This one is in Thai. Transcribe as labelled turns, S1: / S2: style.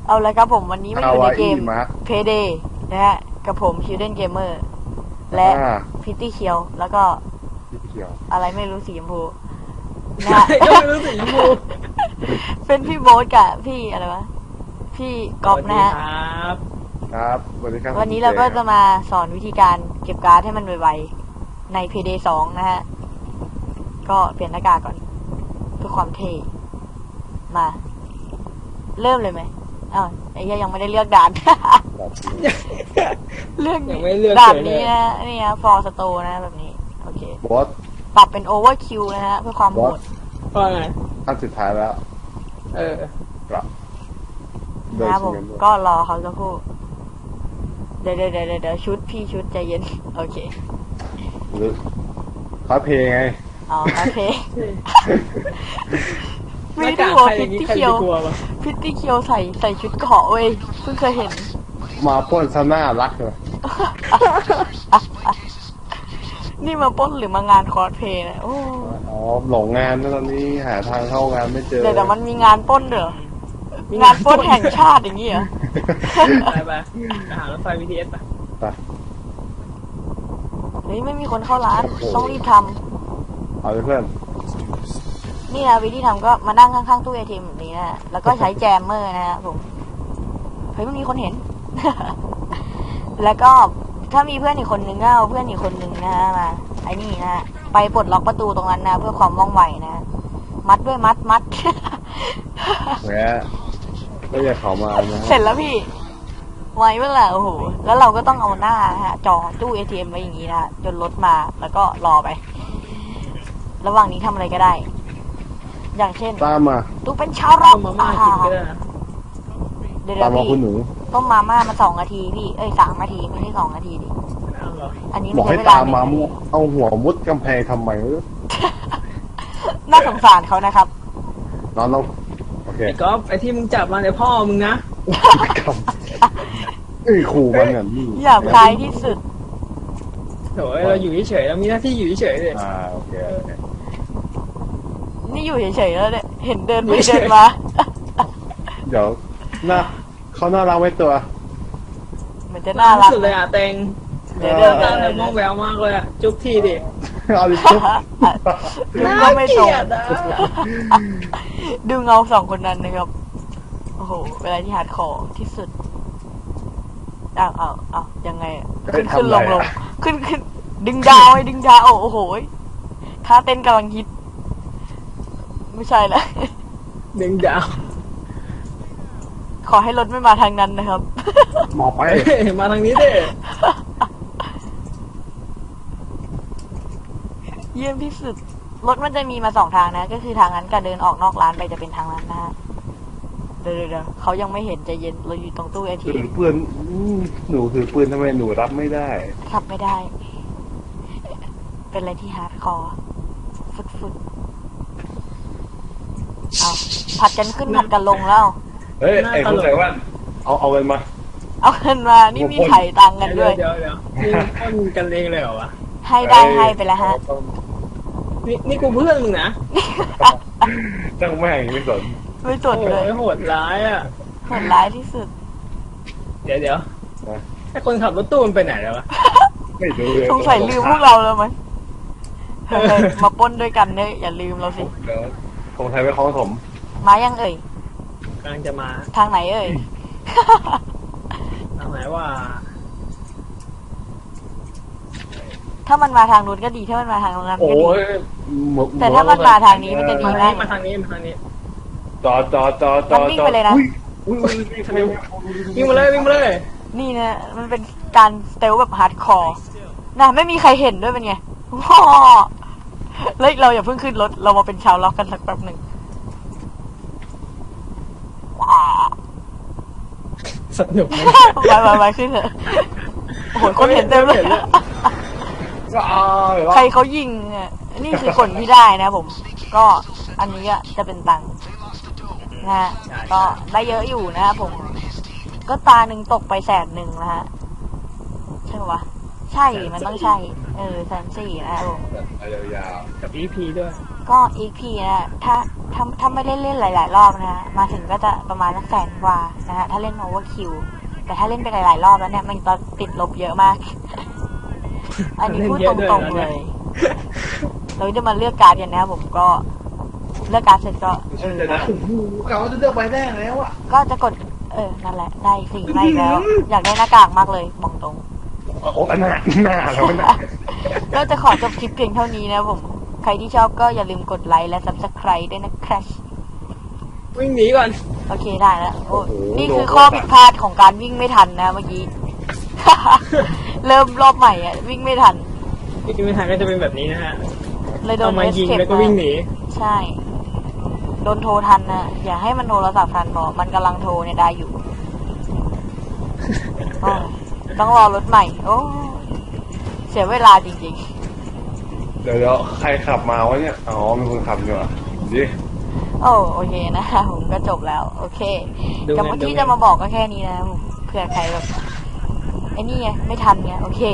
S1: เอาละครับผมวันนี้มาอยู่ในเกม
S2: มา
S1: Payday นะฮะกับผม Children Gamer และพิตตี้เคียวแล้วก็อะไรไม่รู้สีชมพูนะฮะ
S3: ก็ไม่รู้สีชมพู
S1: เป็นพี่โบ๊ทกับพี่อะไรวะพี่ก๊อฟนะฮะ
S2: ครับสวัสดีครับ
S1: วันนี้เราก็จะมาสอนวิธีการเก็บการ์ดให้มันไวๆใน Payday 2 นะฮะก็เปลี่ยนหน้ากากก่อนเพื่อความเท่มาเริ่มเลยไหมอ้าวไอ้เหี้ยยังไม่ได้เลือกด่าน เลือกด่านนี้นะนี่นะฟอร์สโตนะแบบนี้โอเค
S2: บอส
S1: ปรับเป็นโอเวอร์คิวนะฮะเพื่อความโหด
S3: ว่าไง
S2: อันสุดท้ายแล้ว ปรับ
S1: นะครับผมก็รอเขาสักครู่เดี๋ยวชุดพี่ชุดใจเย็นโอเค
S2: หรือคอสเพลงไง
S1: อ๋อโอเค
S3: หน้า
S1: ไม่
S3: กา
S1: ได้
S3: ก
S1: หัว
S3: ใครอ
S1: พิ
S3: ย่า
S1: ต
S3: งนี้
S1: ตี้
S3: ใคร
S1: เคียว
S3: จะกลัวปะ
S1: พิตตี้เคียวใส่ชุดเกาะเว้ยเพิ่งเคยเห็น
S2: มาปล้นซะหน้ารักเลย
S1: นี่มาปล้นหรือมางานคอสเพลย์นะโอ้
S2: อ๋อหลงงานนะตอนนี้หาทางเข้างานไม่เจอ
S1: เดี๋ยวมันมีงานปล้นเด้องานปล้นแห่งชาติอย่างงี้เหรอ
S3: ไปหารถไฟ BTS ไป
S2: ไป
S1: เฮ้ยไม่มีคนเข้าร้านต้องรีบท
S2: เอาเลยเพื่อน
S1: ำนี่นะวิธีทำก็มานั่งข้างๆตู้ ATM แบบนี้นะแล้วก็ใช้แจมเมอร์นะฮะผมเฮ้ยไม่มีคนเห็น แล้วก็ถ้ามีเพื่อนอีกคนนึงก็เอาเพื่อนอีกคนนึงนะฮะมาไอ้นี่นะฮะไปปลดล็อกประตูตรงนั้นนะเพื่อความว่องไวนะมัดด้วยมัด
S2: แหมไม่อยากเขามานะ
S1: เสร็จแล้วพี่ไวเมื่อไหร่โอ้โหแล้วเราก็ต้องเอาหน้าฮะจอตู้ ATM ไว้อย่างนี้นะจนรถมาแล้วก็รอไป ระหว่างนี้ทำอะไรก็ได้ อย่างเช่น
S2: ตามมา
S1: ตู้เป็นชาวร็อก
S3: มาม่ากินก็ได้นะ
S1: เดี๋ยว
S2: ตามมา
S1: พี่
S2: คุณหนู
S1: ต้มมาม่ามา2 นาทีพี่3 นาทีไม่ใช่2 นาทีดิ
S3: เอาเหรอ
S1: อันนี้
S2: บอก
S1: ใช้
S2: ให้
S1: เวลา
S2: ตามมาเอาหัวมุดกำแพงทำไม
S1: น่าสงสารเขานะครับ
S2: นอนลงโอเค
S3: ไอ้ก๊อฟไอ้ที่มึงจับมาเนี่ยพ่อมึงนะ
S2: ขู่มันเนี่ยนี่
S1: หยาบคายที่สุด
S3: โถ่เราอยู่เฉยๆเรามีหน้าที่อยู่เฉยๆเลย
S2: โอเค
S1: นี่อยู่เฉยๆแล้วเนี่ยเห็นเดินไปเดินมา
S2: เดี๋ยวน่าเขาน่ารักไว้ตัว
S1: เหมือนจะน่ารัก
S3: สุดเลยอ่ะเต็ง
S1: เดี๋ยว
S3: ตาเนี่ยมองแววมากเลยอ่ะจุ๊บทีดิ
S2: เอาดิจุ๊บ
S1: ดูก็ไม่ตรง
S3: น่าเกลียดอะ
S1: ดูเงา2 คนนั้นนะครับโอ้โหเวลาที่ฮาร์ดคอร์ที่สุดอ้าวยังไงอะขึ้นลงขึ้นดึงดาวดึงดาวโอ้โหท่าเต้นกำลังฮิตไม่ใช่ละ
S3: ดึงดาว
S1: ขอให้รถไม่มาทางนั้นนะครับ
S2: หมอไป
S3: เฮ้ยมาทางนี้ดิ
S1: เยี่ยมที่สุดรถมันจะมีมา2 ทางนะก็คือทางนั้นกับเดินออกนอกร้านไปจะเป็นทางนั้นนะฮะเดี๋ยวเขายังไม่เห็นใจเย็นเราอยู่ตรงตู้ ATM
S2: ถือปืนหนูถือปืนทำไมหนูรับไม่ได้
S1: ขับไม่ได้ เป็นอะไรที่ฮาร์ดคอร์ฟุดเอาผัดกันขึ้นผัดกันลงแล้ว
S2: เฮ้ยไอ้คนใส่แว่นเอาเงินมา
S1: เอาเงินมานี่มีไถ่ตังค์กันด้วย
S3: เดี๋ยวนี่ต้นกันเองเลยเหรอวะ
S1: ให้ได้ให้ไปแล้วฮะ
S3: นี่กูเพื่อนมึงนะ
S2: จังแม่งไม่สน
S1: ไม่ส
S3: โอ้
S1: ดเลย
S3: ยโหดร้ายอ่ะ
S1: โหดร้ายที่สุด
S3: เดี๋ยวไอ้คนขับรถตู้มันไปไหนแล้ววะ
S2: ไม่ดูเลย
S1: สงสัยลืมพวกเราแล้วมั้ยเฮ้ยมาปล้นด้วยกันเนี่ยอย่าลืมเราสิ
S2: เดี๋ยวคงไทยไปคล้องถม
S1: มายังเอ่ย
S3: กำลังจะมา
S1: ทางไหนเอ่ย
S3: ทางไหนว่า
S1: ถ้ามันมาทางนู้นก็ดีถ้ามันมาทางนั้น
S2: โอ้
S1: ก็ดี
S2: ย
S1: แต่ถ้ามันมาทางนี้มันจะดี
S3: มาทางนี้มาทางนี้
S2: จอ
S1: มันวิ่งไปเลยนะ
S2: อุ้ย
S3: วิ่งมาเลยวิ่งมาเลย
S1: นี่นะมันเป็นการสเตลแบบฮาร์ดคอร์นะไม่มีใครเห็นด้วยเป็นไงว้าแล้วเราอย่าเพิ่งขึ้นรถเรามาเป็นชาวล็อกกันสักแป๊บหนึ่งว้า
S3: สนุกไหม
S1: ไปขึ้นเถอะโอ้โหคนเห็นเต็มเลย
S2: ใค
S1: ใครเขายิงอ่ะนี่คือคนที่ได้นะผม ก็อันนี้อะจะเป็นตังค์นะฮะก็ได้เยอะอยู่นะครับผม ก็ตาหนึ่งตกไป100,000นะฮะใช่ปะวะใช่มันต้องใช่140,000นะครับผม
S2: ยาว
S3: กับ EP ด้วย
S2: ๆ
S1: ก็ EP นะถ้าไม่ได้เล่นหลายๆรอบนะมาถึงก็จะประมาณ100,000 กว่านะฮะถ้าเล่น Overkill แต่ถ้าเล่นไปหลายๆรอบแล้วเนี่ยมันจะติดลบเยอะมาก อันนี้พูดตรงๆเลย เราจะมาเลือกการ์ดกันนะครับผมก็เลือกการ์ดเสร็จก็
S4: เดี๋ยวนะโอ้โหกะว่าจะเลือกใบแรกแล้วอะ
S1: ก็จะกดนั่นแหละได้สิ่งได้อีกแล้ว อยากได้หน้ากากมากเลยบอกตรง
S2: โอ้หน้าแล้วหน้า
S1: ก็จะขอจบคลิปเพียงเท่านี้นะครับผมใครที่ชอบก็อย่าลืมกดไลค์และ Subscribe ด้วยนะครับ
S3: วิ่งหนีก่อน
S1: โอเคได้แล้วโอ้นี่คือข้อผิดพลาดของการวิ่งไม่ทันนะเมื่อกี้ เริ่มรอบใหม่อ่ะวิ่งไม่ทัน
S3: วิ่งไม่ทันก็จะเป็นแบบนี้นะฮะ
S1: เลยโด
S3: เอา
S1: น
S3: มายิง
S1: escape
S3: แล้วก็วิ่งหนี
S1: ใช่ โดนโทรทันนะอย่าให้มันโทรศัพท์ทันบอกมันกำลังโทรเนี่ยได้อยู่ โอ้ต้องรอรถใหม่ โอ้เสียเวลาจริง
S2: เดี๋ยวใครขับมาวะเนี่ยอ๋อมีคนขับอยู่อ่ะดิ
S1: ๆ โอเคนะผมก็จบแล้ว โอเค
S3: ดู
S1: กับ
S3: ไง
S1: เมื่อ
S3: ดู
S1: กี้
S3: ไง
S1: จะมาบอกก็แค่นี้นะผมเผื่อใครแบบไอ้นี่ไงไม่ทันไงโอเค